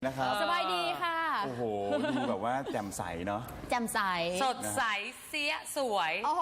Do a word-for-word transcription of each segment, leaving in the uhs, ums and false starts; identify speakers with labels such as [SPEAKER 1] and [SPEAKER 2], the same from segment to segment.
[SPEAKER 1] นะครับ
[SPEAKER 2] สบายดีค่ะ
[SPEAKER 1] โอ้โหดูแบบว่าแจ่มใสเนาะ
[SPEAKER 2] แจ่มใส
[SPEAKER 3] สดใสเสียสวย
[SPEAKER 2] โอ้โห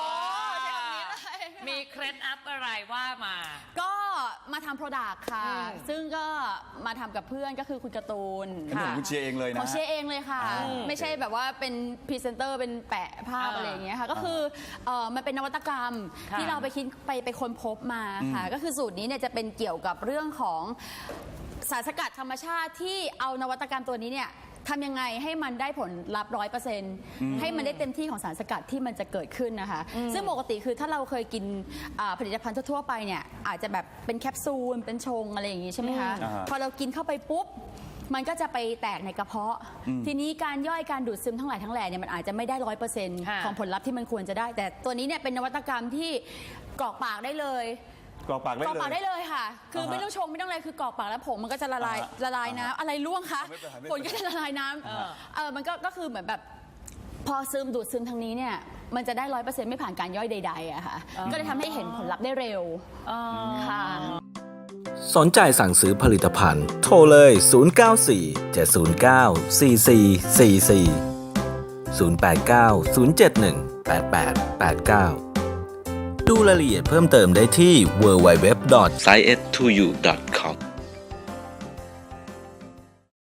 [SPEAKER 3] มีเคล็ดลับอะไรว่ามา
[SPEAKER 2] ก็มาทำโปรดักต์ค่ะ
[SPEAKER 3] อืม
[SPEAKER 2] ซึ่งก็มาทำกับเพื่อนก็คือคุณการ์ตูน
[SPEAKER 1] อันนี้ของคุณเชียร์เองเลยนะ
[SPEAKER 2] ของเชียร์เองเลยค่ะ
[SPEAKER 1] อ่า
[SPEAKER 2] ไม่ใช่แบบว่าเป็นพรีเซนเตอร์เป็นแปะภาพ
[SPEAKER 3] อ่า
[SPEAKER 2] อะไรอย่างเงี้ยค่ะ ก็คือเอ่อมันเป็นนวัตกรรม
[SPEAKER 3] ค่ะ
[SPEAKER 2] ที่เราไปคิดไปไปค้นพบมาค่ะ ก็คือสูตรนี้เนี่ยจะเป็นเกี่ยวกับเรื่องของสารสกัดธรรมชาติที่เอานวัตกรรมตัวนี้เนี่ยทำยังไงให้มันได้ผลลัพธ์ร้อยเปอร์เซ็นต์ให้มันได้เต็มที่ของสารสกัดที่มันจะเกิดขึ้นนะคะ ซึ่งปกติคือถ้าเราเคยกินอ่าผลิตภัณฑ์ทั่วๆไปเนี่ยอาจจะแบบเป็นแคปซูลเป็นชงอะไรอย่างงี้ใช่ไหมคะ
[SPEAKER 1] อ่า
[SPEAKER 2] พอเรากินเข้าไปปุ๊บ มันก็จะไปแตกในกระเพาะ ทีนี้การย่อยการดูดซึมทั้งหลายทั้งแหล่เนี่ยมันอาจจะไม่ได้ร้อยเปอร์เซ็นต์
[SPEAKER 3] ค่ะ
[SPEAKER 2] ของผลลัพธ์ที่มันควรจะได้ แต่ตัวนี้เนี่ยเป็นนวัตกรรมที่กรอกปากได้เลย
[SPEAKER 1] กรอกปากได้
[SPEAKER 2] กรอก
[SPEAKER 1] เล
[SPEAKER 2] ปากได้
[SPEAKER 1] ย
[SPEAKER 2] เลยค่ะ คือ
[SPEAKER 1] อ่าฮะ
[SPEAKER 2] ไม่ต้องชงไม่ต้องอะไรคือกรอกปากแล้วผงมันก็จะละลาย
[SPEAKER 1] อ่าฮะ
[SPEAKER 2] ละลายน้ำอะไรล่วงคะ
[SPEAKER 1] ไม่เป็นไรไม่เป็นไร
[SPEAKER 2] ผลก็จะละลายน้ำ
[SPEAKER 3] เออ
[SPEAKER 2] เออมันก็ก็คือเหมือนแบบพอซึมดูดซึมทางนี้เนี่ยมันจะได้ร้อยเปอร์เซ็นต์ไม่ผ่านการย่อยใดๆอะค่ะก็เลยทำให้เห็นผลลัพธ์ได้เร็ว
[SPEAKER 3] อ๋อ
[SPEAKER 2] ค่ะ
[SPEAKER 4] สนใจสั่งซื้อผลิตภัณฑ์ โทรเลย ศูนย์ เก้า สี่ เจ็ด ศูนย์ เก้า สี่ สี่ สี่ สี่ ศูนย์ แปด เก้า ศูนย์ เจ็ด หนึ่ง แปด แปด แปด เก้า ดูรายละเอียดเพิ่มเติมได้ที่ ดับเบิลยู ดับเบิลยู ดับเบิลยู ดอท ไซเอส ทู ยู ดอท คอม